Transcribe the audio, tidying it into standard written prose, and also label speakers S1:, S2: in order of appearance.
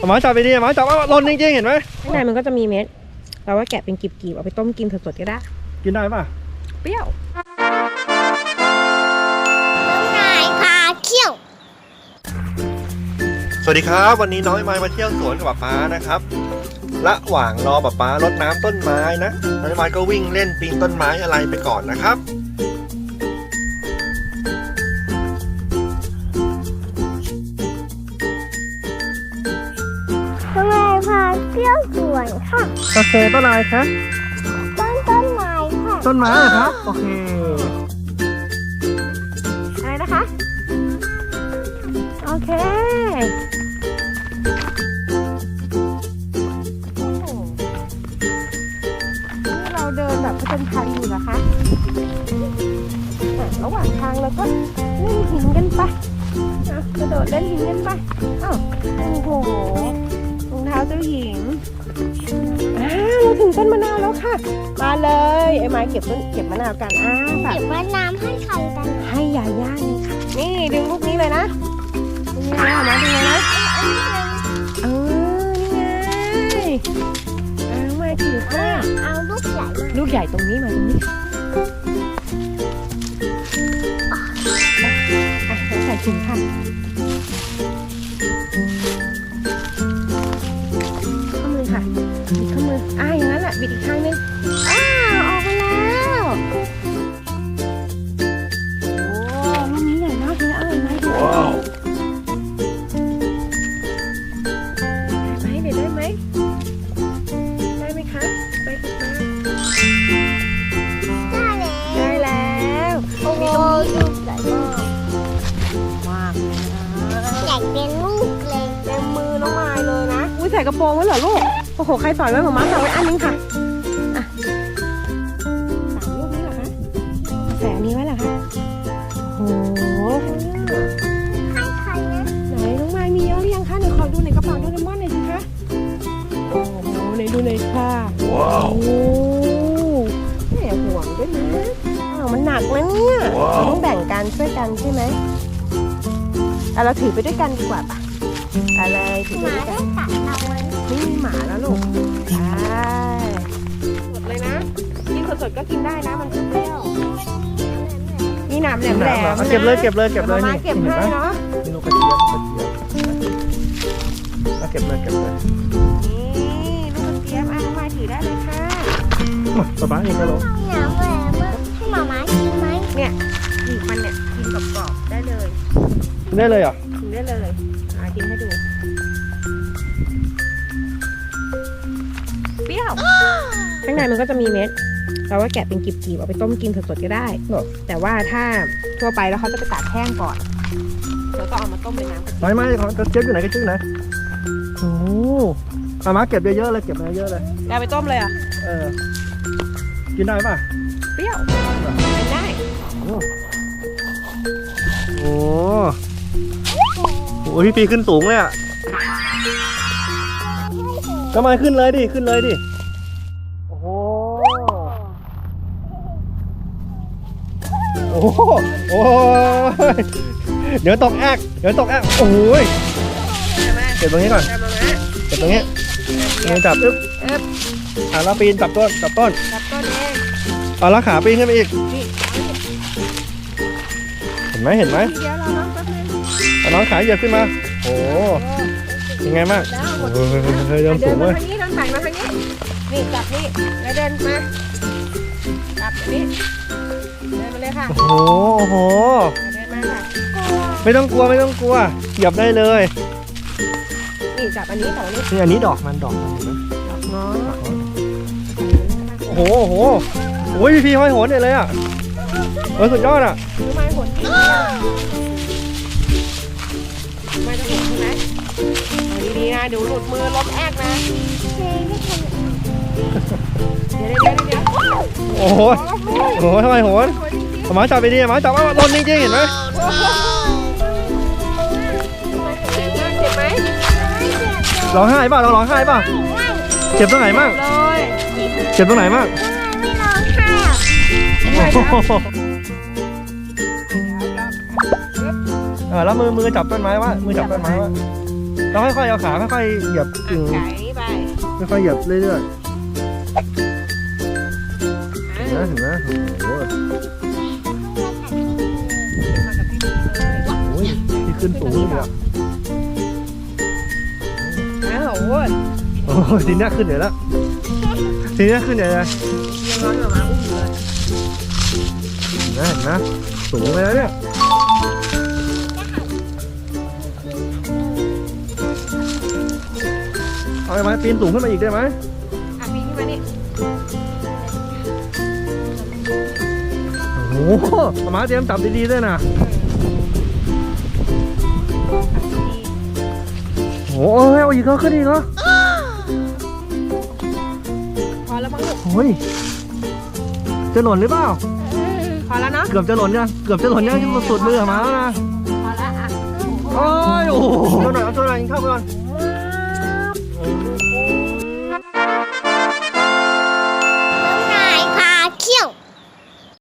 S1: หมาจับไปดิหมาจับว่าหล่นจริงๆเห็นไหม
S2: ข้างในมันก็จะมีเม็ดเราว่าแกะเป็นกลีบๆเอาไปต้มกินสดๆก็ได้
S1: กินได้ป่ะ
S2: เปรี้ยว
S3: นายพาเที่ยว
S1: สวัสดีครับวันนี้น้องไอไม้มาเที่ยวสวนกับป๊านะครับระหว่างรอป๊ารดน้ำต้นไม้นะน้องไอไม้ก็วิ่งเล่นปีนต้นไม้อะไรไปก่อนนะครับ
S3: นายพาเที่ยวสวนค่ะ
S1: โอเคต้นอะไรคะ
S3: ต้นไม้ค่ะ
S1: ต้นไม้ครับโอเค
S2: อะไรนะคะโอเคเราเดินแบบผจญภัยอยู่นะคะระหว่างทางเราก็เล่นหินกันไปกระโดดเล่นหินกันไปอ้าวโอ้โหรองเท้าเจ้าหญิงเราถึงต้นมะนาวแล้วค่ะมาเลยไอ้ไม้เก็บมะนาวกัน
S3: เก็บมะนาวให้ใครกัน
S2: ให้ยาย่าเลยค่ะนี่ดึงลูกนี้เลยนะนี่นะมาดึงเลยนะนี่ไงมาถือค่ะ
S3: เอาลูกใหญ่
S2: ลูกใหญ่ตรงนี้มาตรงนี้ใส่ถุงค่ะข้อมือค่ะบิดข้อมืออย่างนั้นแหละบิดอีกข้างนึงออกมาแล้วโอ้ลูกนี้ใหญ่มากเลยไหมว้าวได้ไหมได้ไหมคะไปอีกมาได้แล้ว
S3: โอ้โหลูกใหญ่มาก
S2: เลยนะ
S3: อยากเป็นลูกเลย
S2: เต็มมือน้องไม้เลยนะใส่กระโปรงไว้เหรอลูกโอ้โหใครสอนไว้หมาสอนไว้อันนึงค่ะ3 ลูกนี้เหรอคะใส่อันนี้ไว้เหรอคะโอ้โห
S3: ใครนะ
S2: ไหนน้องไม้มีเยอะหรือยังคะหนูขอดูในกระเป๋าโดเรมอนหน่อยสิคะโอ้โหไหนดูหน่อยค่ะว้าวแหมห่วงด้วยนะมันหนักนะเนี่ยเราต้องแบ่งกันช่วยกันใช่ไหมเราถือไปด้วยกันดีกว่าป่ะอะไรถือไปด้วยกันไม่มีหมาแล้วลูกสดเลยนะกินสดๆก็กินได้นะมันเปรี้ยวมีหนามแหลม
S1: เก็บเลยนี่
S2: เก็บให้เนาะ
S1: นี่ลูกกระเจี๊ยบเก็บเลย
S2: นี่ลูกกระเจี๊ยบมาถือได้เลยค่ะ
S1: สบายเองก็ลูก
S3: หนามแหลมให้หมาม้ากินไหม
S2: เนี่ยหยิบมันเนี่ยกินกรอบๆได้เลย
S1: ได้เลยเหรอ
S2: กินได้เลยกินให้ดูเปรี้ยวข้างในมันก็จะมีเม็ดเราว่าแกะเป็นกลีบๆเอาไปต้มกินสดๆก็ได้แต่ว่าถ้าทั่วไปแล้วเขาจะไปตากแห้งก่อนแล้วก็เอามาต้มเป็นน้ำ
S1: ไม่กระเจี๊ยบอยู่ไหนกระเจี๊ยบไหนโอ้มาเก็บเยอะๆเลยเก็บเยอะเลย
S2: เอาไปต้มเลย
S1: กินได้ป่ะ
S2: เปรี้ยวกินได้
S1: โอ้พี่ปีขึ้นสูงเลยอ่ะก็มาขึ้นเลยดิโอ้โหโอ้ยเดี๋ยวตกแอกโอ้ยเก็บตรงนี้ก่อนเก็บตรงนี้จับแล้วปีนจับต้นเองแล้วขาปีนขึ้นไปอีกเห็นไหม
S2: เดี๋ยวเรา
S1: น้องขาเหยียบขึ้นมาโอ้ยังไงบ้างเดินสูงเลย
S2: ทางนี้ทางไหนมาทางนี้นี่จับนี่แล้วเดินมาจับนี่เดินมาเลยค่ะ
S1: โอ้โห
S2: เดินมาค่ะ
S1: ไม่ต้องกลัวเหยียบได้เลย
S2: นี่จับอันนี้ต่อนี่
S1: อันนี้ดอกมันเห็นไหม
S2: ดอกเนาะ
S1: โอ้โหพี่ห้อยโหนเลยอ่ะสุดยอดอ่ะ
S2: ไม่โหนไม่ต้องโหนใช่ไหมดีๆนะเดี๋ยวหลุดมือล้มแอกนะเดี๋ยว
S1: โอ้โหทำไมโหนหมาจับไปดิหมาจับว่าหล่นจริงๆเห็นไหม
S2: เจ็บไหม
S1: ร้องไห้ป่ะเราร้องไห้ป่ะเจ็บตรงไหนมั่งเจ็บตรงไหนมั่ง
S3: ไม่ร้องไห้
S1: แล้วมือจับต้นไม้วะมือจับต้นไม้วะเราค่อยๆเอาขาค่อยๆเหยียบกิ่ง
S2: ไก่นี่ไป
S1: ค่อยๆเหยียบเรื่อย
S2: อ่ะ
S1: ๆเห็นไหมโอ้โห
S2: มากับพี่ดีเลย
S1: โอ้ยที่ขึ้นสูงเลยอ่ะ
S2: อ้าวโอ้ย
S1: โอ้ยทีนี้ขึ้นใหญ่แล้วทีนี้ขึ้นใหญ่เลย
S2: ยังร้อนออกมาอุ้มเลย
S1: เห็นไหมสูงไปแล้วเนี่ยเอาไหมปีนสูงขึ้นมาอีกได้ไหม
S2: อ่ะปีนขึ้นมานี่
S1: โอ้โหหมาเตรียมจับดีๆด้วยนะโอ้โหเอาอีกแล้วขึ้นอีกเหรอ
S2: พอแล้วมั้งลูก
S1: โอ้ยจะหล่นหรือเปล่า
S2: พอแล้วเนาะ
S1: เกือบจะหล่นยังเกือบจะหล่นยังที่มันสุดมือหมาแล้วนะ
S2: พอแล้วอ่ะ
S1: โอ้ยโอ้โหตัวหน่อยเอาตัวหน่อยกินข้าวไปก่อน